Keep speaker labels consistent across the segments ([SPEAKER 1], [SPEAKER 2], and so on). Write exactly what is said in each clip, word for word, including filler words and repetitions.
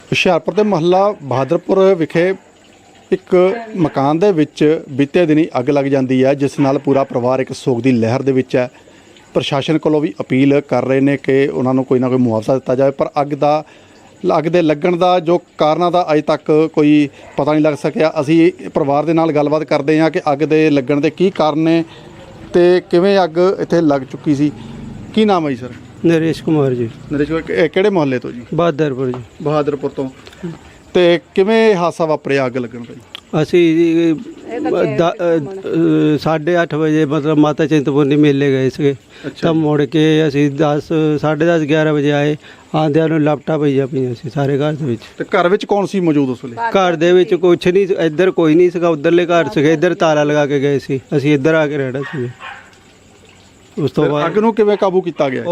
[SPEAKER 1] ਹੁਸ਼ਿਆਰਪੁਰ ਦੇ ਮੁਹੱਲਾ ਬਹਾਦਰਪੁਰ ਵਿਖੇ ਇੱਕ ਮਕਾਨ ਦੇ ਵਿੱਚ ਬੀਤੇ ਦਿਨੀ ਅੱਗ ਲੱਗ ਜਾਂਦੀ ਹੈ, ਜਿਸ ਨਾਲ ਪੂਰਾ ਪਰਿਵਾਰ ਇੱਕ ਸੋਗ ਦੀ ਲਹਿਰ ਦੇ ਵਿੱਚ ਹੈ। ਪ੍ਰਸ਼ਾਸਨ ਕੋਲੋਂ ਵੀ ਅਪੀਲ ਕਰ ਰਹੇ ਨੇ ਕਿ ਉਹਨਾਂ ਨੂੰ ਕੋਈ ਨਾ ਕੋਈ ਮੁਆਵਜ਼ਾ ਦਿੱਤਾ ਜਾਵੇ, ਪਰ ਅੱਗ ਦਾ ਅੱਗ ਦੇ ਲੱਗਣ ਦਾ ਜੋ ਕਾਰਨਾਂ ਦਾ ਅਜੇ ਤੱਕ ਕੋਈ ਪਤਾ ਨਹੀਂ ਲੱਗ ਸਕਿਆ। ਅਸੀਂ ਪਰਿਵਾਰ ਦੇ ਨਾਲ ਗੱਲਬਾਤ ਕਰਦੇ ਹਾਂ ਕਿ ਅੱਗ ਦੇ ਲੱਗਣ ਦੇ ਕੀ ਕਾਰਨ ਨੇ ਤੇ ਕਿਵੇਂ ਅੱਗ ਇੱਥੇ ਲੱਗ ਚੁੱਕੀ ਸੀ। ਕੀ ਨਾਮ ਹੈ ਜੀ ਸਰ?
[SPEAKER 2] नरेश कुमार जी।
[SPEAKER 1] ਨਰੇਸ਼ ਕਿਹੜੇ ਮੁਹੱਲੇ ਤੋਂ ਜੀ?
[SPEAKER 2] बहादुरपुर जी।
[SPEAKER 1] ਬਹਾਦਰਪੁਰ ਤੋਂ। ਤੇ ਕਿਵੇਂ ਹਾਦਸਾ ਵਾਪਰਿਆ ਅੱਗ ਲੱਗਣ ਦਾ ਜੀ?
[SPEAKER 2] ਅਸੀਂ साढ़े अठ बजे मतलब माता चिंतपूर्णी मेले गए थे। तब मुड़ के असी दस साढ़े दस ग्यारह बजे आए। आंदिया ਨੂੰ ਲਾਪਟਾਂ ਪਈਆਂ ਪਈਆਂ ਸੀ ਸਾਰੇ ਘਰ ਦੇ ਵਿੱਚ।
[SPEAKER 1] ਤੇ ਘਰ ਵਿੱਚ ਕੌਣ ਸੀ ਮੌਜੂਦ ਉਸ ਵੇਲੇ?
[SPEAKER 2] ਘਰ ਦੇ ਵਿੱਚ ਕੁਛ ਨਹੀਂ, ਇੱਧਰ ਕੋਈ ਨਹੀਂ ਸੀਗਾ, ਉਧਰਲੇ ਘਰ ਸੀਗੇ, ਇੱਧਰ ਤਾਲਾ ਲਗਾ ਕੇ ਗਏ ਸੀ, ਅਸੀਂ ਇੱਧਰ ਆ ਕੇ ਰਹਿਣਾ ਸੀ। ਉਸ ਤੋਂ ਬਾਅਦ
[SPEAKER 1] ਅੱਗ ਨੂੰ ਕਿਵੇਂ ਕਾਬੂ ਕੀਤਾ ਗਿਆ?
[SPEAKER 2] ਉਹ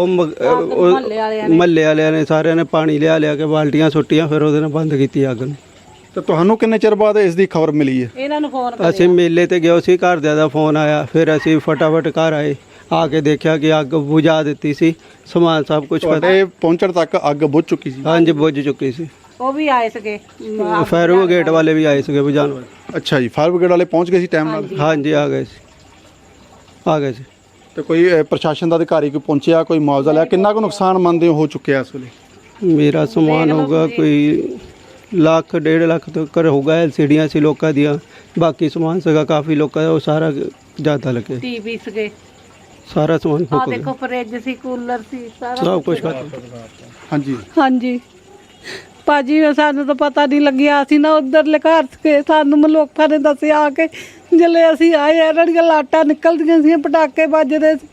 [SPEAKER 2] ਮਹੱਲੇ ਵਾਲਿਆਂ ਨੇ ਸਾਰਿਆਂ ਨੇ ਪਾਣੀ ਲਿਆ ਲਿਆ ਕੇ ਬਾਲਟੀਆਂ ਸੁੱਟੀਆਂ, ਫਿਰ ਉਹਦੇ ਨਾਲ ਬੰਦ ਕੀਤੀ ਅੱਗ ਨੂੰ।
[SPEAKER 1] ਤੇ ਤੁਹਾਨੂੰ ਕਿੰਨੇ ਚਿਰ ਬਾਅਦ ਇਸ ਦੀ ਖਬਰ ਮਿਲੀ ਹੈ?
[SPEAKER 3] ਇਹਨਾਂ ਨੂੰ ਫੋਨ
[SPEAKER 2] ਅਸੀਂ ਮੇਲੇ ਤੇ ਗਏ ਸੀ, ਘਰਦਿਆਂ ਦਾ ਫੋਨ ਆਇਆ, ਫਿਰ ਅਸੀਂ ਫਟਾਫਟ ਘਰ ਆਏ, ਆ ਕੇ ਦੇਖਿਆ ਕਿ ਅੱਗ ਬੁਝਾ ਦਿੱਤੀ ਸੀ, ਸਮਾਨ ਸਭ ਕੁਝ
[SPEAKER 1] ਤੁਹਾਡੇ ਪਹੁੰਚਣ ਤੱਕ ਅੱਗ ਬੁਝ ਚੁੱਕੀ ਸੀ?
[SPEAKER 2] ਹਾਂਜੀ ਬੁਝ ਚੁੱਕੀ ਸੀ।
[SPEAKER 3] ਉਹ ਵੀ ਆਏ ਸੀਗੇ,
[SPEAKER 2] ਫਾਇਰ ਬ੍ਰਿਗੇਡ ਵਾਲੇ ਵੀ ਆਏ ਸੀਗੇ ਬੁਝਾਉਣ ਵਾਲੇ।
[SPEAKER 1] ਅੱਛਾ ਜੀ, ਫਾਇਰ ਬ੍ਰਿਗੇਡ ਵਾਲੇ ਪਹੁੰਚ ਗਏ ਸੀ ਟਾਈਮ ਨਾਲ?
[SPEAKER 2] ਹਾਂਜੀ ਆ ਗਏ ਸੀ, ਆ ਗਏ ਸੀ।
[SPEAKER 1] ਤੇ ਕੋਈ ਅ, ਪ੍ਰਸ਼ਾਸਨ ਦਾ ਅਧਿਕਾਰੀ ਕੋਈ ਪਹੁੰਚਿਆ, ਕੋਈ ਮੁਆਵਜ਼ਾ ਲਿਆ? ਕਿੰਨਾ ਕੁ ਨੁਕਸਾਨ ਮੰਨਦੇ ਹੋ ਚੁੱਕਿਆ ਇਸ ਵੇਲੇ?
[SPEAKER 2] ਮੇਰਾ ਸਮਾਨ ਹੋਊਗਾ ਕੋਈ ਲੱਖ ਡੇਢ ਲੱਖ ਤੱਕ ਹੋਊਗਾ। ਐਲ ਸੀ ਡੀਆਂ ਸੀ ਲੋਕਾਂ ਦੀਆਂ, ਬਾਕੀ ਸਮਾਨ ਸੀਗਾ ਕਾਫੀ ਲੋਕਾਂ ਦਾ, ਉਹ ਸਾਰਾ ਜ਼ਿਆਦਾ ਲੱਗੇ।
[SPEAKER 3] ਟੀਵੀ ਸੀਗੇ,
[SPEAKER 2] ਸਾਰਾ ਸਮਾਨ
[SPEAKER 3] ਆ
[SPEAKER 2] ਫੁੱਕ
[SPEAKER 3] ਦੇਖੋ
[SPEAKER 2] ਗਿਆ,
[SPEAKER 3] ਫਰਿੱਜ ਸੀ, ਕੂਲਰ ਸੀ, ਸਾਰਾ
[SPEAKER 2] ਸਭ ਕੁਝ ਖਤਮ।
[SPEAKER 1] ਹਾਂਜੀ
[SPEAKER 3] ਹਾਂਜੀ ਭਾਜੀ, ਸਾਨੂੰ ਤਾਂ ਪਤਾ ਨਹੀਂ ਲੱਗਿਆ, ਅਸੀਂ ਨਾ ਉਧਰਲੇ ਘਰ ਸੀਗੇ, ਸਾਨੂੰ ਮਲੋਕਾਂ ਨੇ ਦੱਸਿਆ ਆ ਕੇ। ਜਦੋਂ ਅਸੀਂ ਆਏ ਇਹਨਾਂ ਦੀਆਂ ਲਾਟਾਂ ਨਿਕਲਦੀਆਂ ਸੀ, ਪਟਾਕੇ ਵੱਜਦੇ ਸੀ,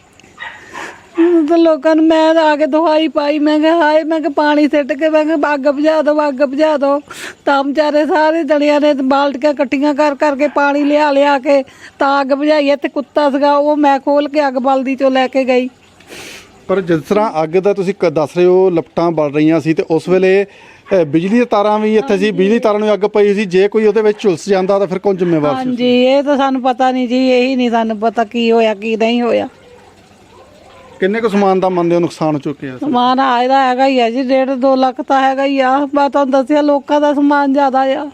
[SPEAKER 3] ਤਾਂ ਲੋਕਾਂ ਨੂੰ ਮੈਂ ਆ ਕੇ ਦਵਾਈ ਪਾਈ। ਮੈਂ ਕਿਹਾ ਹਾਏ, ਮੈਂ ਕਿਹਾ ਪਾਣੀ ਸਿੱਟ ਕੇ ਮੈਂ ਕਿਹਾ ਅੱਗ ਬੁਝਾ ਦਿਓ, ਅੱਗ ਬੁਝਾ ਦਿਓ। ਤਾਂ ਵਿਚਾਰੇ ਸਾਰੇ ਜਣਿਆਂ ਨੇ ਬਾਲਟੀਆਂ ਇਕੱਠੀਆਂ ਕਰ ਕਰਕੇ ਪਾਣੀ ਲਿਆ ਲਿਆ ਕੇ ਤਾਂ ਅੱਗ ਬੁਝਾਈ। ਇੱਥੇ ਕੁੱਤਾ ਸੀਗਾ, ਉਹ ਮੈਂ ਖੋਲ ਕੇ ਅੱਗ ਬਲਦੀ ਚੋਂ ਲੈ ਕੇ ਗਈ।
[SPEAKER 1] ਪਰ ਜਿਸ ਤਰ੍ਹਾਂ ਅੱਗ ਦਾ ਤੁਸੀਂ ਕ- ਦੱਸ ਰਹੇ ਹੋ, ਲਪਟਾਂ ਬਲ ਰਹੀਆਂ ਸੀ, ਤੇ ਉਸ ਵੇਲੇ ਅ, ਬਿਜਲੀ ਦੀਆਂ ਤਾਰਾਂ ਵੀ ਇੱਥੇ ਸੀ, ਬਿਜਲੀ ਤਾਰਾਂ ਨੂੰ ਅੱਗ ਪਈ ਸੀ। ਜੇ ਕੋਈ ਉਹਦੇ ਵਿੱਚ ਝੁਲਸ ਜਾਂਦਾ ਤਾਂ ਫਿਰ ਕੌਣ ਜ਼ਿੰਮੇਵਾਰ ਸੀ?
[SPEAKER 3] ਹਾਂਜੀ, ਇਹ ਤਾਂ ਸਾਨੂੰ ਪਤਾ ਨਹੀਂ ਜੀ, ਇਹੀ ਨਹੀਂ ਸਾਨੂੰ ਪਤਾ ਕੀ ਹੋਇਆ ਕੀ ਨਹੀਂ ਹੋਇਆ।
[SPEAKER 1] ਕਿੰਨੇ ਕੁ ਸਮਾਨ ਦਾ ਮੰਨਦੇ ਹੋ ਨੁਕਸਾਨ ਹੋ ਚੁੱਕਿਆ?
[SPEAKER 3] ਸਮਾਨ ਆਏ ਦਾ ਹੈਗਾ ਹੀ ਆ ਜੀ, ਡੇਢ ਦੋ ਲੱਖ ਤਾਂ ਹੈਗਾ ਹੀ ਆ। ਮੈਂ ਤੁਹਾਨੂੰ ਦੱਸਿਆ ਲੋਕਾਂ ਦਾ ਸਮਾਨ ਜ਼ਿਆਦਾ ਆ,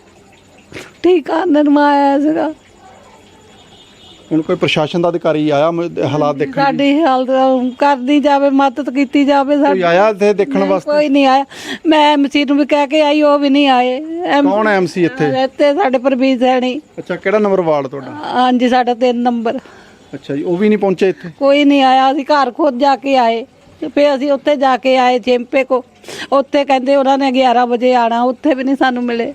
[SPEAKER 3] ਠੀਕ ਆ ਨਿਰਮਾਇਆ ਸੀਗਾ।
[SPEAKER 1] ਹੁਣ ਕੋਈ ਪ੍ਰਸ਼ਾਸਨ ਦਾ ਅਧਿਕਾਰੀ ਆਇਆ ਮ- ਹਾਲਾਤ ਦੇਖਣ?
[SPEAKER 3] ਸਾਡੀ ਹਾਲਤ ਕਰਦੀ ਜਾਵੇ, ਮਦਦ ਕੀਤੀ ਜਾਵੇ
[SPEAKER 1] ਕੋਈ
[SPEAKER 3] ਸਾਡੀ।
[SPEAKER 1] ਆਇਆ ਇੱਥੇ ਦੇਖਣ ਵਾਸਤੇ?
[SPEAKER 3] ਕੋਈ ਨਹੀਂ ਆਇਆ। ਮੈਂ ਐਮਸੀ ਨੂੰ ਵੀ ਕਹਿ ਕੇ ਆਈ, ਉਹ ਵੀ ਨਹੀਂ ਆਏ। ਐਮ-
[SPEAKER 1] ਕੌਣ ਹੈ ਐਮਸੀ ਇੱਥੇ?
[SPEAKER 3] ਇੱਥੇ ਸਾਡੇ ਪਰਵੀਰ ਸੈਣੀ।
[SPEAKER 1] ਅੱਛਾ, ਕਿਹੜਾ ਨੰਬਰ ਵਾਰਡ ਤੁਹਾਡਾ?
[SPEAKER 3] ਹਾਂਜੀ, ਸਾਡਾ ਤਿੰਨ ਨੰਬਰ।
[SPEAKER 1] ਅੱਛਾ ਜੀ, ਉਹ ਵੀ ਨਹੀਂ ਪਹੁੰਚੇ ਇੱਥੇ?
[SPEAKER 3] ਕੋਈ ਨਹੀਂ ਆਇਆ। ਅਸੀਂ ਘਰ ਖੁਦ ਜਾ ਕੇ ਆਏ, ਤੇ ਫਿਰ ਅਸੀਂ ਉੱਥੇ ਜਾ ਕੇ ਆਏ ਚੇਂਪੇ ਕੋ। ਉੱਥੇ ਕਹਿੰਦੇ ਉਹਨਾਂ ਨੇ ਗਿਆਰਾਂ ਵਜੇ ਆਣਾ, ਉੱਥੇ ਵੀ ਨਹੀਂ ਸਾਨੂੰ ਮਿਲੇ।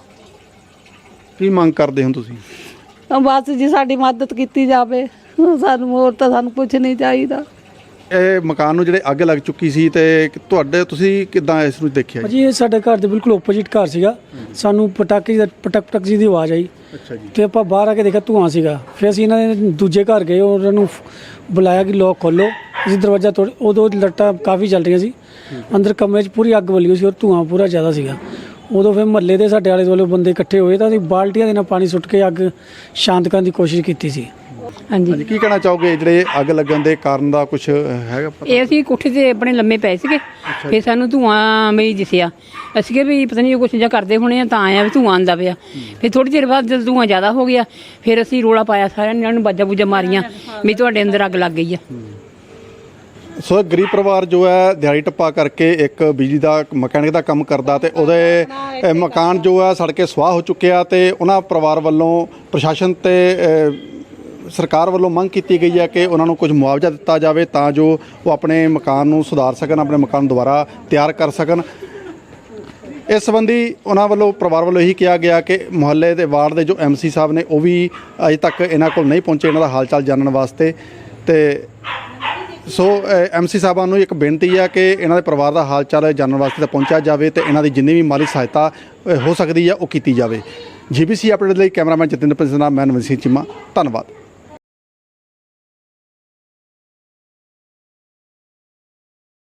[SPEAKER 1] ਕੀ ਮੰਗ ਕਰਦੇ ਹੋ ਤੁਸੀਂ?
[SPEAKER 3] ਬਸ ਜੀ ਸਾਡੀ ਮਦਦ ਕੀਤੀ ਜਾਵੇ, ਸਾਨੂੰ ਹੋਰ ਤਾਂ ਸਾਨੂੰ ਕੁਝ ਨਹੀਂ ਚਾਹੀਦਾ।
[SPEAKER 1] ਇਹ ਮਕਾਨ ਨੂੰ ਜਿਹੜੇ ਅੱਗ ਲੱਗ ਚੁੱਕੀ ਸੀ, ਤੇ ਤੁਹਾਡੇ ਤੁਸੀਂ ਕਿਦਾਂ ਇਸ ਨੂੰ ਦੇਖਿਆ ਜੀ?
[SPEAKER 4] ਜੀ ਇਹ ਸਾਡੇ ਘਰ ਦੇ ਬਿਲਕੁਲ ਓਪੋਜਿਟ ਘਰ ਸੀਗਾ। ਸਾਨੂੰ ਪਟਾਕੇ ਦਾ ਪਟਕ ਪਟਕ ਜੀ ਦੀ ਆਵਾਜ਼ ਆਈ,
[SPEAKER 1] ਅੱਛਾ ਜੀ।
[SPEAKER 4] ਤੇ ਆਪਾਂ ਬਾਹਰ ਆ ਕੇ ਦੇਖਿਆ ਧੂਆਂ ਸੀਗਾ। ਫਿਰ ਅਸੀਂ ਇਹਨਾਂ ਦੇ ਦੂਜੇ ਘਰ ਗਏ, ਉਹਨਾਂ ਨੂੰ ਬੁਲਾਇਆ ਕਿ ਲੋਕ ਖੋਲੋ। ਅਸੀਂ ਦਰਵਾਜ਼ਾ ਤੋੜ, ਉਦੋਂ ਲੱਟਾਂ ਕਾਫੀ ਚੱਲ ਰਹੀਆਂ ਸੀ, ਅੰਦਰ ਕਮਰੇ 'ਚ ਪੂਰੀ ਅੱਗ ਬਲੀ ਹੋਈ ਸੀ ਔਰ ਧੂਆਂ ਪੂਰਾ ਜ਼ਿਆਦਾ ਸੀਗਾ। ਉਦੋਂ ਫਿਰ ਮਹੱਲੇ ਦੇ ਸਾਡੇ ਆਲੇ ਦੁਆਲੇ ਬੰਦੇ ਇਕੱਠੇ ਹੋਏ, ਤਾਂ ਅਸੀਂ ਬਾਲਟੀਆਂ ਦੇ ਨਾਲ ਪਾਣੀ ਸੁੱਟ ਕੇ ਅੱਗ ਸ਼ਾਂਤ ਕਰਨ ਦੀ ਕੋਸ਼ਿਸ਼ ਕੀਤੀ ਸੀ।
[SPEAKER 3] ਹਾਂਜੀ,
[SPEAKER 1] ਹਾਂਜੀ, ਕੀ ਕਹਿਣਾ ਚਾਹੋਗੇ? ਜਿਹੜੇ ਅੱਗ ਲੱਗਣ ਦੇ ਕਾਰਨ ਦਾ ਕੁਝ ਹੈਗਾ ਪਤਾ?
[SPEAKER 5] ਇਹ ਅਸੀਂ ਕੋਠੇ ਤੇ ਆਪਣੇ ਲੰਮੇ ਪਏ ਸੀਗੇ, ਫਿਰ ਸਾਨੂੰ ਧੂਆਂ ਵੀ ਦਿਸਿਆ। ਅਸੀਂ ਕਿਹਾ ਵੀ ਪਤਾ ਨਹੀਂ ਕੁਛ ਜਾਂ ਕਰਦੇ ਹੋਣੇ ਆ, ਤਾਂ ਆਇਆ ਵੀ ਧੂਆਂ ਆਉਂਦਾ ਪਿਆ। ਫਿਰ ਥੋੜੀ ਦੇਰ ਬਾਅਦ ਜਦੋਂ ਧੂਆਂ ਜ਼ਿਆਦਾ ਹੋ ਗਿਆ, ਫਿਰ ਅਸੀਂ ਰੋਲਾ ਪਾਇਆ, ਸਾਰਿਆਂ ਨੇ ਨੂੰ ਬਾਜਾ ਬੂਜਾ ਮਾਰੀਆਂ ਵੀ ਤੁਹਾਡੇ ਅੰਦਰ ਅੱਗ ਲੱਗ ਗਈ ਆ।
[SPEAKER 1] ਸੋ ਗਰੀਬ ਪਰਿਵਾਰ ਜੋ ਹੈ ਦਿਹਾੜੀ ਟੱਪਾ ਕਰਕੇ ਇੱਕ ਬਿਜਲੀ ਦਾ ਮਕੈਨਿਕ ਦਾ ਕੰਮ ਕਰਦਾ, ਤੇ ਉਹਦੇ ਅ, ਮਕਾਨ ਜੋ ਹੈ ਸੜ ਕੇ ਸੁਆਹ ਹੋ ਚੁੱਕਿਆ। ਤੇ ਉਹਨਾਂ ਪਰਿਵਾਰ ਵੱਲੋਂ ਪ੍ਰਸ਼ਾਸਨ ਤੇ ਅ, ਸਰਕਾਰ ਵੱਲੋਂ ਮੰਗ ਕੀਤੀ ਗਈ ਹੈ ਕਿ ਉਹਨਾਂ ਨੂੰ ਕੁਝ ਮੁਆਵਜ਼ਾ ਦਿੱਤਾ ਜਾਵੇ, ਤਾਂ ਜੋ ਉਹ ਆਪਣੇ ਮਕਾਨ ਨੂੰ ਸੁਧਾਰ ਸਕਣ, ਆਪਣੇ ਮਕਾਨ ਨੂੰ ਦੁਬਾਰਾ ਤਿਆਰ ਕਰ ਸਕਣ। ਇਸ ਸੰਬੰਧੀ ਉਹਨਾਂ ਵੱਲੋਂ ਪਰਿਵਾਰ ਵੱਲੋਂ ਇਹੀ ਕਿਹਾ ਗਿਆ ਕਿ ਮੁਹੱਲੇ ਦੇ ਵਾਰਡ ਦੇ ਜੋ ਐਮਸੀ ਸਾਹਿਬ ਨੇ, ਉਹ ਵੀ ਅਜੇ ਤੱਕ ਇਹਨਾਂ ਕੋਲ ਨਹੀਂ ਪਹੁੰਚੇ ਇਹਨਾਂ ਦਾ ਹਾਲ ਚਾਲ ਜਾਣਨ ਵਾਸਤੇ। ਤੇ ਸੋ ਐਮਸੀ ਸਾਹਿਬਾਂ ਨੂੰ ਇੱਕ ਬੇਨਤੀ ਹੈ ਕਿ ਇਹਨਾਂ ਦੇ ਪਰਿਵਾਰ ਦਾ ਹਾਲ ਚਾਲ ਜਾਣਨ ਵਾਸਤੇ ਤਾਂ ਪਹੁੰਚਿਆ ਜਾਵੇ, ਤੇ ਇਹਨਾਂ ਦੀ ਜਿੰਨੀ ਵੀ ਮਾਲੀ ਸਹਾਇਤਾ ਹੋ ਸਕਦੀ ਹੈ ਉਹ ਕੀਤੀ ਜਾਵੇ। ਜੀ ਬੀ ਸੀ ਅਪਡੇਟ ਲਈ ਕੈਮਰਾਮੈਨ ਜਤਿੰਦਰ ਪ੍ਰਿੰਸ ਨਾਲ ਮੈਂ ਨਵੀਨ ਸਿੰਘ ਚੀਮਾ, ਧੰਨਵਾਦ।